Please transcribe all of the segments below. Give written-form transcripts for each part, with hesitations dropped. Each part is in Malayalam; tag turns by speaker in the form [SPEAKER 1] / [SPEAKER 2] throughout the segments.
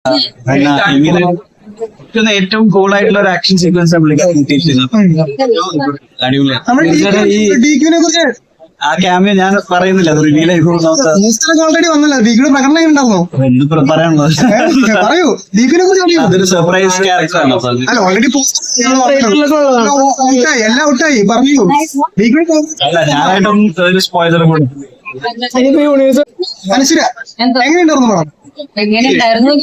[SPEAKER 1] ഇങ്ങനെ ഏറ്റവും കൂൾ ആയിട്ടുള്ള ഒരു ആക്ഷൻ സീക്വൻസ് അടിപൊളിയാണ്. ആ ക്യാമിയോ ഞാൻ പറയുന്നില്ല, അത് റിവീൽ
[SPEAKER 2] ഓൾറെഡി വന്നല്ലോ. ഡീക്കിയുടെ പ്രകടനം ഉണ്ടാവുമോ
[SPEAKER 1] പറയാനുള്ളത്?
[SPEAKER 2] പറയൂ, ഡീക്കിനെ കുറിച്ച്
[SPEAKER 1] അതൊരു സർപ്രൈസ് ക്യാരക്ടറാണ്.
[SPEAKER 2] ഓൾറെഡി എല്ലാം ഔട്ടായി പറഞ്ഞു.
[SPEAKER 1] അല്ല, ഞാനായിട്ടും ഒരു സ്പോയിലർ കൂടി.
[SPEAKER 2] മനസ്സില എങ്ങനെയുണ്ടായിരുന്നു പടം?
[SPEAKER 3] എങ്ങനെയുണ്ടായിരുന്നു?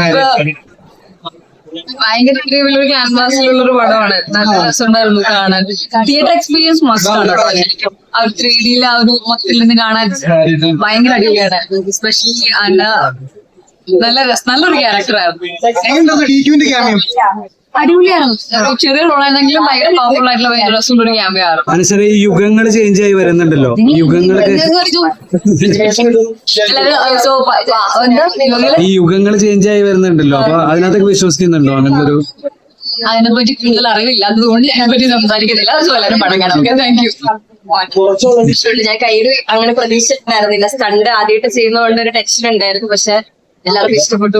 [SPEAKER 3] ഭയങ്കര വലിയൊരു ക്യാൻവാസിലുള്ളൊരു പടമാണ്. നല്ല രസമുണ്ടായിരുന്നു കാണാൻ. തിയേറ്റർ എക്സ്പീരിയൻസ് മസ്റ്റ് ആണ്. ആ 3D ആ ഒരു മൊത്തത്തിൽ നിന്ന് കാണാൻ ഭയങ്കര അടിപൊളിയാണ്. എസ്പെഷ്യലി നല്ലൊരു ക്യാരക്ടറായിരുന്നു. അടിപൊളിയാണ്. ചെറിയ റോളായിരുന്നെങ്കിലും ഭയങ്കര പവർഫുൾ ആയിട്ടുള്ള ഭയങ്കര രസമുള്ളൊരു ക്യാമറയാണ്.
[SPEAKER 4] മനസ്സിലെ ഈ യുഗങ്ങൾ ചേഞ്ച് ആയി വരുന്നുണ്ടല്ലോ, ഈ യുഗങ്ങൾ ചേഞ്ച് ആയി വരുന്നുണ്ടല്ലോ, അപ്പൊ അതിനകത്തൊക്കെ വിശ്വസിക്കുന്നുണ്ടോ? അങ്ങനത്തെ ഒരു
[SPEAKER 3] അതിനെപ്പറ്റി കൂടുതൽ അറിവില്ല, അതുകൊണ്ട് അതിനെപ്പറ്റി സംസാരിക്കുന്നില്ല. അത് വളരെ പടം കാണാം. Thank you. ഞാൻ കയ്യിൽ അങ്ങനെ പ്രതീക്ഷിച്ചിട്ടുണ്ടായിരുന്നില്ല. സ്റ്റണ്ട് ആദ്യമായിട്ട് ചെയ്യുന്നതുകൊണ്ട് ഒരു ടെൻഷൻ ഉണ്ടായിരുന്നു. പക്ഷെ എല്ലാവർക്കും ഇഷ്ടപ്പെട്ടു.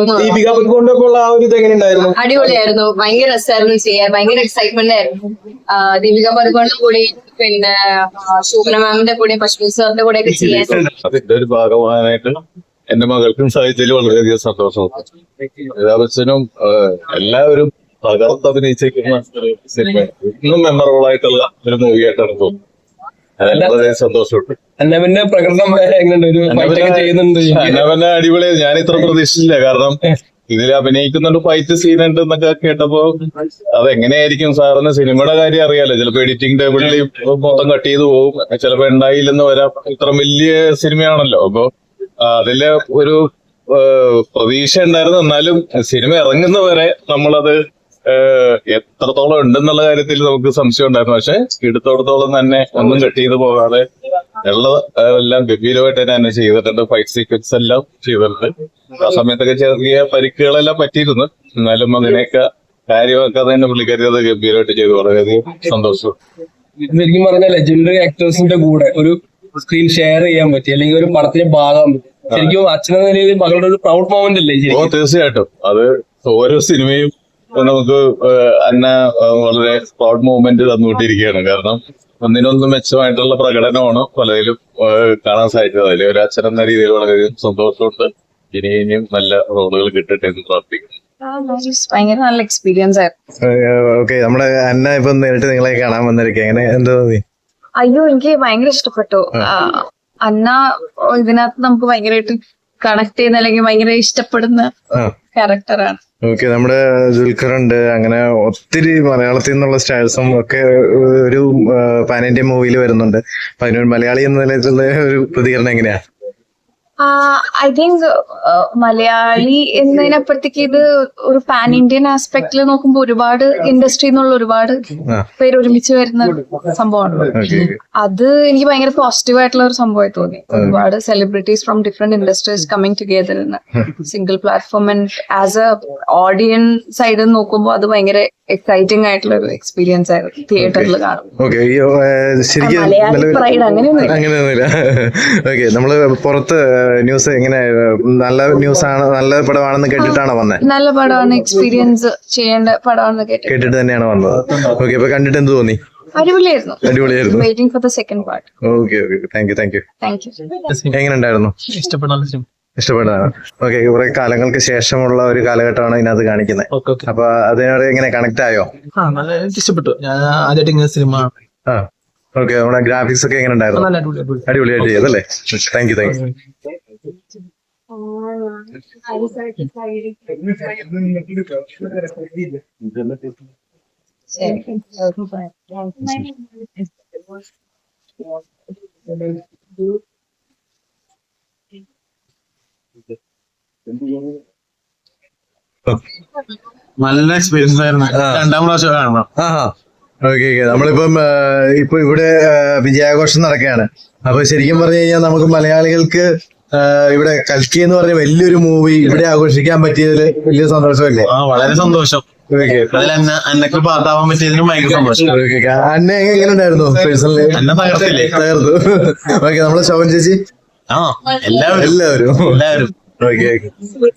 [SPEAKER 3] അടിപൊളിയായിരുന്നു. ഭയങ്കര രസമായിരുന്നു ചെയ്യാൻ. ഭയങ്കര എക്സൈറ്റ്മെന്റ് ആയിരുന്നു. ദീപിക പദുകോണിന്റെ കൂടി, പിന്നെ ശോഭന മാമിന്റെ കൂടെ, പശ്മിൻ സാറിന്റെ കൂടെ ഒക്കെ ചെയ്യാൻ
[SPEAKER 5] അതിന്റെ ഒരു ഭാഗമാകാനായിട്ട് എന്റെ മകൾക്കും സാഹിത്യത്തിൽ വളരെയധികം സന്തോഷമുണ്ട്. അച്ഛനും എല്ലാവരും തകർത്തഭിനയിച്ചിരിക്കുന്ന സിനിമ ഇന്നും മെമ്മറബിൾ ആയിട്ടുള്ള ഒരു മൂവിയായിട്ടാണ് തോന്നുന്നത്. വളരെ സന്തോഷമുണ്ട്.
[SPEAKER 6] അന്നവന്റെ പ്രകടനം
[SPEAKER 5] അന്നവന്റെ അടിപൊളിയായി. ഞാൻ ഇത്ര പ്രതീക്ഷിച്ചില്ല. കാരണം ഇതിൽ അഭിനയിക്കുന്നുണ്ട്, ഫൈറ്റ് സീൻ ഉണ്ട് എന്നൊക്കെ കേട്ടപ്പോ അതെങ്ങനെയായിരിക്കും സാറിന് സിനിമയുടെ കാര്യം അറിയാലോ. ചിലപ്പോ എഡിറ്റിംഗ് ടേബിളിൽ മൊത്തം കട്ട് ചെയ്ത് പോകും, ചിലപ്പോ ഉണ്ടായില്ലെന്ന് വരാം. ഇത്ര വലിയ സിനിമയാണല്ലോ. അപ്പൊ അതില് ഒരു പ്രതീക്ഷ ഉണ്ടായിരുന്നു. എന്നാലും സിനിമ ഇറങ്ങുന്നവരെ നമ്മളത് എത്രത്തോളം ഉണ്ടെന്നുള്ള കാര്യത്തിൽ നമുക്ക് സംശയം ഉണ്ടായിരുന്നു. പക്ഷെ എടുത്തോടത്തോളം തന്നെ ഒന്നും കട്ട് ചെയ്ത് പോകാതെ എല്ലാം ഗംഭീരമായിട്ട് തന്നെ ചെയ്തിട്ടുണ്ട്. ഫൈറ്റ് സീക്വൻസ് എല്ലാം ചെയ്തിട്ടുണ്ട്. ആ സമയത്തൊക്കെ ചെറിയ പരിക്കുകളെല്ലാം പറ്റിയിരുന്നു. എന്നാലും അതിനെയൊക്കെ കാര്യമാക്കാതെ തന്നെ പുള്ളിക്കാരി അത് ഗംഭീരമായിട്ട് ചെയ്തു. വളരെയധികം സന്തോഷം.
[SPEAKER 6] ശരിക്കും പറഞ്ഞാൽ ലെജൻഡറി ആക്ടേഴ്സിന്റെ കൂടെ ഒരു സ്ക്രീൻ ഷെയർ ചെയ്യാൻ പറ്റി, അല്ലെങ്കിൽ ഒരു പടത്തിന്റെ ഭാഗം ശരിക്കും അച്ഛനെന്ന നിലയിൽ മകളുടെ ഒരു പ്രൗഡ് മൊമെന്റ് അല്ലേ?
[SPEAKER 5] തീർച്ചയായിട്ടും. അത് ഓരോ സിനിമയും നമുക്ക് അന്ന വളരെ പ്രൗഡ് മൂവ്മെന്റ് തന്നുകൊണ്ടിരിക്കുകയാണ്. കാരണം ഒന്നിനൊന്നും മെച്ചമായിട്ടുള്ള പ്രകടനമാണ് പലതിലും കാണാൻ സാധിച്ചത്. അതിൽ ഒരു അച്ഛൻ എന്ന രീതിയിൽ വളരെ സന്തോഷമുണ്ട്. ഇനിയും നല്ല റോളുകൾ കിട്ടട്ടെ എന്ന് പ്രാർത്ഥിക്കുന്നു.
[SPEAKER 3] ഭയങ്കര നല്ല എക്സ്പീരിയൻസ് ആയിരുന്നു.
[SPEAKER 7] ഓക്കെ, നമ്മുടെ അന്ന ഇപ്പൊ നേരിട്ട് നിങ്ങളെ കാണാൻ വന്നിരിക്കുക, എങ്ങനെ എന്താ തോന്നി?
[SPEAKER 3] അയ്യോ, എനിക്ക് ഭയങ്കര ഇഷ്ടപ്പെട്ടു. അന്ന ഇതിനകത്ത് നമുക്ക് ഭയങ്കരമായിട്ട് കണക്ട് ചെയ്യുന്ന, അല്ലെങ്കിൽ ഭയങ്കര ഇഷ്ടപ്പെടുന്ന ക്യാരക്ടറാണ്.
[SPEAKER 7] ഓക്കെ, നമ്മുടെ ദുൽഖർ ഉണ്ട്, അങ്ങനെ ഒത്തിരി മലയാളത്തിൽ നിന്നുള്ള സ്റ്റാഴ്സും ഒക്കെ ഒരു പാൻ ഇന്ത്യ മൂവിയിൽ വരുന്നുണ്ട്. അപ്പൊ അതിനൊരു മലയാളി എന്ന നിലയിലുള്ള ഒരു പ്രതികരണം എങ്ങനെയാ?
[SPEAKER 3] ഐ തിങ്ക് മലയാളി എന്നതിനപ്പുറത്തേക്ക് ഇത് ഒരു പാൻ ഇന്ത്യൻ ആസ്പെക്ടിൽ നോക്കുമ്പോൾ ഒരുപാട് ഇൻഡസ്ട്രിയിൽ നിന്നുള്ള ഒരുപാട് പേര് ഒരുമിച്ച് വരുന്ന സംഭവമാണ്. അത് എനിക്ക് ഭയങ്കര പോസിറ്റീവ് ആയിട്ടുള്ള ഒരു സംഭവമായി തോന്നി. ഒരുപാട് celebrities from different industries coming together in single platform. And as a audience സൈഡിൽ നോക്കുമ്പോൾ അത് ഭയങ്കര എക്സൈറ്റിംഗ് ആയിട്ടുള്ള ഒരു എക്സ്പീരിയൻസ് ആയിരുന്നു തിയേറ്ററിൽ കാണുമ്പോൾ.
[SPEAKER 7] അങ്ങനെയൊന്നുമില്ല. ഓക്കെ, നമ്മള് പുറത്ത് ന്യൂസ് എങ്ങനെ നല്ല ന്യൂസ് ആണ്, നല്ല പടമാണെന്ന് കേട്ടിട്ടാണോ വന്നത്?
[SPEAKER 3] നല്ല പടമാണ്, എക്സ്പീരിയൻസ് ചെയ്യേണ്ട പടമാണെന്ന് കേട്ടിട്ട് തന്നെയാണ്
[SPEAKER 7] വന്നത്. ഓക്കെ, അപ്പൊ കണ്ടിട്ട് എന്ത് തോന്നി?
[SPEAKER 3] അടിപൊളിയായിരുന്നു.
[SPEAKER 7] Waiting
[SPEAKER 3] for the second part.
[SPEAKER 7] Okay, thank you. എങ്ങനെ ഉണ്ടായിരുന്നു? ഇഷ്ടപ്പെട്ടതാണ്. ഓക്കെ, കുറെ കാലങ്ങൾക്ക് ശേഷമുള്ള ഒരു കാലഘട്ടമാണ് ഇതിനകത്ത് കാണിക്കുന്നത്. അപ്പൊ അതിനോട് എങ്ങനെ കണക്ട് ആയോ?
[SPEAKER 1] ഇഷ്ടപ്പെട്ടു. ഞാൻ ആദ്യമായിട്ട് സിനിമ.
[SPEAKER 7] ഓക്കെ, നമ്മുടെ ഗ്രാഫിക്സ് ഒക്കെ എങ്ങനെ ഉണ്ടായിരുന്നു? അടിപൊളിയായിട്ട് ചെയ്തല്ലേ? Thank you.
[SPEAKER 1] നല്ല എക്സ്പീരിയൻസ് ആയിരുന്നു. രണ്ടാം പ്രാവശ്യം കാണണം.
[SPEAKER 7] ഓക്കെ, നമ്മളിപ്പം ഇപ്പൊ ഇവിടെ വിജയാഘോഷം നടക്കുകയാണ്. അപ്പൊ ശരിക്കും പറഞ്ഞു കഴിഞ്ഞാൽ നമുക്ക് മലയാളികൾക്ക് ഇവിടെ കൽക്കി എന്ന് പറഞ്ഞ വലിയൊരു മൂവി ഇവിടെ ആഘോഷിക്കാൻ പറ്റിയതിൽ വലിയ സന്തോഷമല്ലേ?
[SPEAKER 1] വളരെ സന്തോഷം. അന്നൊക്കെ പാത്താവാൻ പറ്റിയതിനും ഭയങ്കര സന്തോഷം.
[SPEAKER 7] അന്ന എങ്ങനെ ഉണ്ടായിരുന്നു പേഴ്സണലി? തകർത്തു. ഓക്കെ, നമ്മളെ ശോഭൻ ചേച്ചി?
[SPEAKER 1] എല്ലാവരും
[SPEAKER 7] ഓക്കെ.